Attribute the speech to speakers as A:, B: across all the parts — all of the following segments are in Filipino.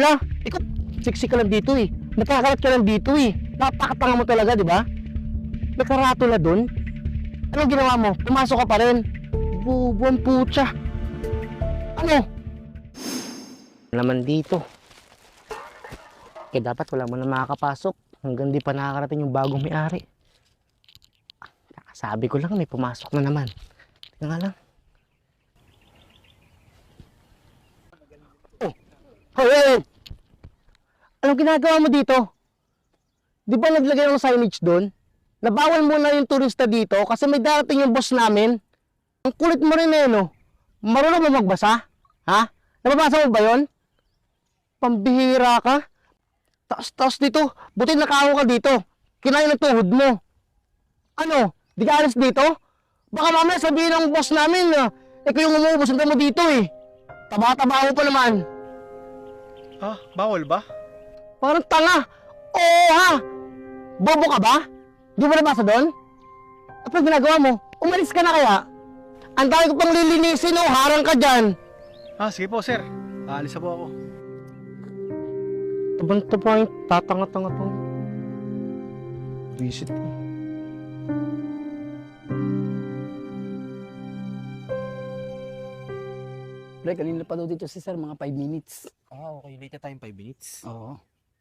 A: sila. Ikaw, siksik ka lang dito eh. Nakakalat ka lang dito eh. Napakatanga mo talaga, di ba? May karatula dun. Anong ginawa mo? Pumasok ka pa rin. Bubuang putya. Ano? Naman dito. Kaya dapat wala mo na makakapasok hanggang di pa nakakarating yung bagong may-ari. Sabi ko lang may pumasok na naman. Tingnan nga lang. Oh! Hey! Anong ginagawa mo dito? Di ba naglagay ng signage doon? Nabawal muna yung turista dito kasi may darating yung boss namin. Ang kulit mo rin eh, no? Marunong mo magbasa? Ha? Nababasa mo ba yun? Pambihira ka? Taas dito. Buti nakaho ka dito. Kinain ng tuhod mo. Ano? Di ka alis dito? Baka mamaya sabihin ng boss namin na ikaw yung umubos mo dito eh. Taba-taba mo pa naman.
B: Ah, bawal ba?
A: Parang tanga. Oo ha. Bobo ka ba? Di mo nabasa doon? Ano ginagawa mo? Umalis ka na kaya? Ang dami ko pang lilinisin oh. Harang ka dyan.
B: Ah, sige po, sir. Aalis na po ako.
A: Tabang-taba yung tatanga-tanga to. Visit ko.
C: Pre, kanina pa daw dito si sir, mga 5 minutes.
D: Ah, okay. Late na tayong 5 minutes.
C: Oo.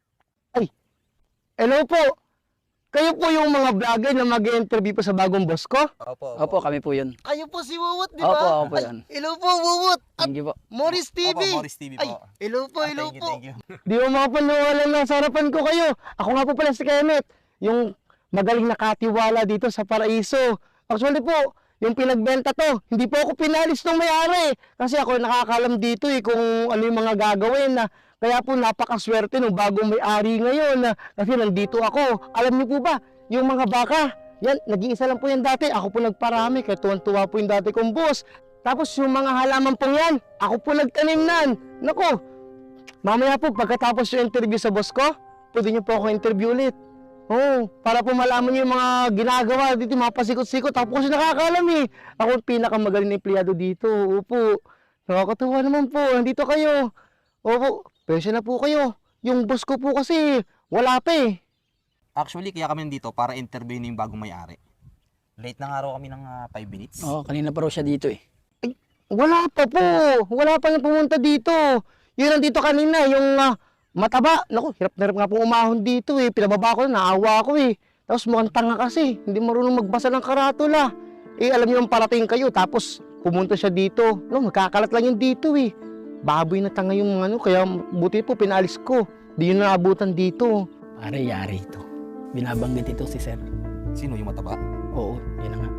A: Hello po. Kayo po yung mga vlogger na mag-interview po sa bagong boss ko?
C: Opo, kami po yun.
A: Kayo po si Wuwut, di
C: Opo,
A: ba?
C: opo yan.
A: Hello po, Wuwut. At
C: Thank you po.
A: Morris TV.
D: Opo, Morris TV po.
A: Ay, hello po,
D: Ah,
A: hello
D: thank you,
A: po.
D: thank you.
A: Di mo mapanawalan ng sarapan ko kayo. Ako nga po pala si Kenneth, yung magaling nakatiwala dito sa Paraiso. Actually po, yung pinagbenta to, hindi po ako pinalis ng may-ari. Kasi ako nakakalam dito eh kung ano yung mga gagawin na. Kaya po napakaswerte ng bagong may-ari ngayon na kasi nandito ako. Alam niyo po ba, yung mga baka, yan, nag-iisa lang po yan dati. Ako po nagparami, kaya tuwan-tuwa po yung dati kong boss. Tapos yung mga halaman pong yan, ako po nagtanim nan. Naku, mamaya po pagkatapos yung interview sa boss ko, pwede niyo po ako interview ulit. Oo, para po malaman niyo yung mga ginagawa dito, mga pasikot-sikot. Ako po kasi nakakaalam eh. Ako ang pinakamagaling na empleyado dito. Opo, nakakatuwa naman po. Nandito kayo. Opo, pwede na po kayo. Yung boss ko po kasi, wala pa eh.
D: Actually, kaya kami nandito para interviewin yung bagong may-ari. Late na nga raw kami ng 5 minutes.
C: Oo, kanina pa raw siya dito eh.
A: Wala pa po. Wala pa yung pumunta dito. Yun nandito kanina, yung mataba. Naku, hirap na hirap nga pong umahon dito eh. Pinababa ko na, naawa ko eh. Tapos mukhang tanga kasi. Hindi marunong magbasa ng karatula. Eh, alam niyo yung parating kayo. Tapos pumunta siya dito. No, magkakalat lang yun dito eh. Baboy na tanga yung ano. Kaya buti po, pinalis ko. Di yun naabutan dito.
C: Pare, yari ito. Binabanggit ito si sir.
D: Sino yung mataba?
C: Oo, yun na nga.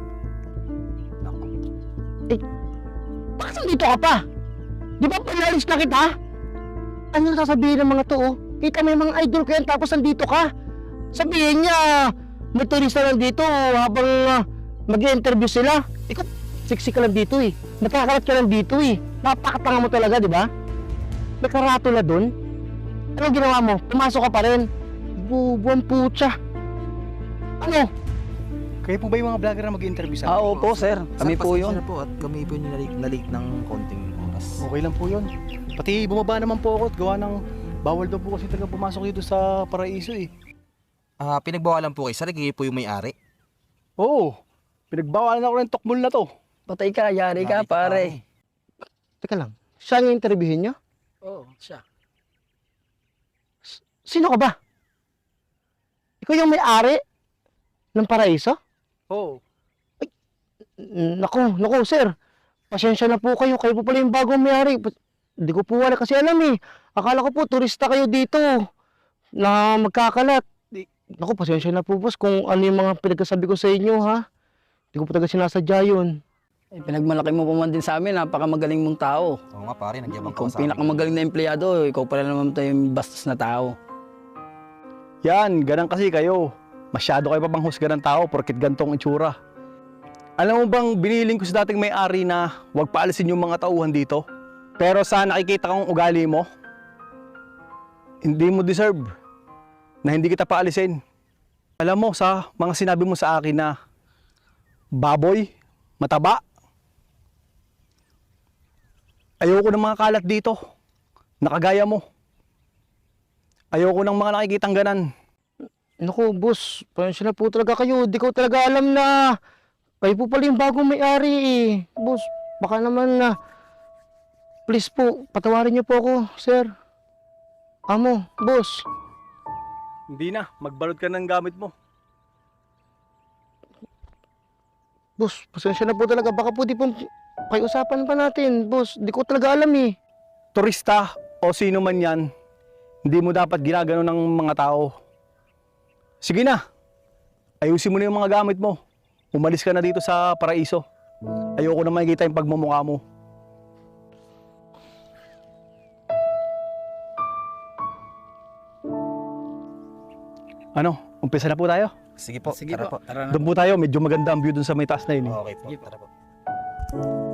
A: Bakit nandito ka pa? Di ba pinalis na kita? Ano sasabihin ng mga to oh? Kita may mga idol ko yan tapos nandito ka. Sabihin niya, may turista lang dito habang mag-i-interview sila. Ikaw, siksik ka lang dito eh. Nakakalat ka lang dito eh. Napakatanga mo talaga, di ba? May karatula dun. Anong ginawa mo? Pumasok ka pa rin. Bubuang putya. Ano?
B: Kayo po ba yung mga vlogger na mag-interview sa amin?
C: Opo sir, kami po
D: pasensya
C: yun.
D: na po at kami po yung na-late ng konting oras.
B: Okay lang po yun. Pati bumaba naman po ako at gawa ng bawal daw po kasi talaga pumasok dito sa Paraiso eh.
D: Ah, pinagbawalan po kayo. Sir, kayo po yung may-ari.
B: Oo, pinagbawalan ako ng tokmol na to.
C: Patay ka, yari ka pare.
A: Teka lang. Siya ang interviewin niyo?
C: Oo, siya.
A: Sino ka ba? Ikaw yung may-ari ng Paraiso?
B: Oo.
A: Naku, sir. Pasensya na po kayo. Kayo po pala yung bagong may-ari. Hindi ko po wala kasi alam eh. Akala ko po, turista kayo dito na magkakalat. Naku, pasensya na po boss kung ano yung mga pinagkasabi ko sa inyo ha. Hindi ko po talaga sinasadya yun.
C: Eh, pinagmalaki mo pa man din sa amin, napakamagaling mong tao.
D: Oo nga pare, nagyabang
C: Ikaw
D: ka sa amin.
C: pinakamagaling na empleyado, ikaw pala naman tayo yung bastos na tao.
B: Yan, ganun kasi kayo. Masyado kayo pa bang husga ng tao porkit gantong itsura. Alam mo bang biniling ko sa dating may-ari na huwag paalisin yung mga tauhan dito? Pero sa nakikita kong ugali mo, hindi mo deserve na hindi kita paalisin. Alam mo sa mga sinabi mo sa akin na baboy, mataba, ayoko ng mga kalat dito, nakagaya mo. Ayoko ng mga nakikitang ganan.
A: Naku, boss, pasensya na po talaga kayo. Di ko talaga alam na kayo po pala yung bagong may-ari eh. Boss, baka naman na please po, patawarin niyo po ako, sir. Amo, boss.
B: Hindi na, magbalot ka ng gamit mo.
A: Boss, pasensya na po talaga. Baka po di po kayo usapan pa natin. Boss, di ko talaga alam eh.
B: Turista o sino man yan, hindi mo dapat ginagano ng mga tao. Sige na, ayusin mo na yung mga gamit mo. Umalis ka na dito sa paraiso. Ayoko na makikita yung pagmumukha mo. Ano, umpisa na po tayo?
D: Sige po,
C: Sige
D: tara
C: po,
D: po.
C: tara na.
B: Doon po tayo, medyo maganda ang view doon sa may taas na yun.
D: Okay po,
C: Sige po.
D: tara po.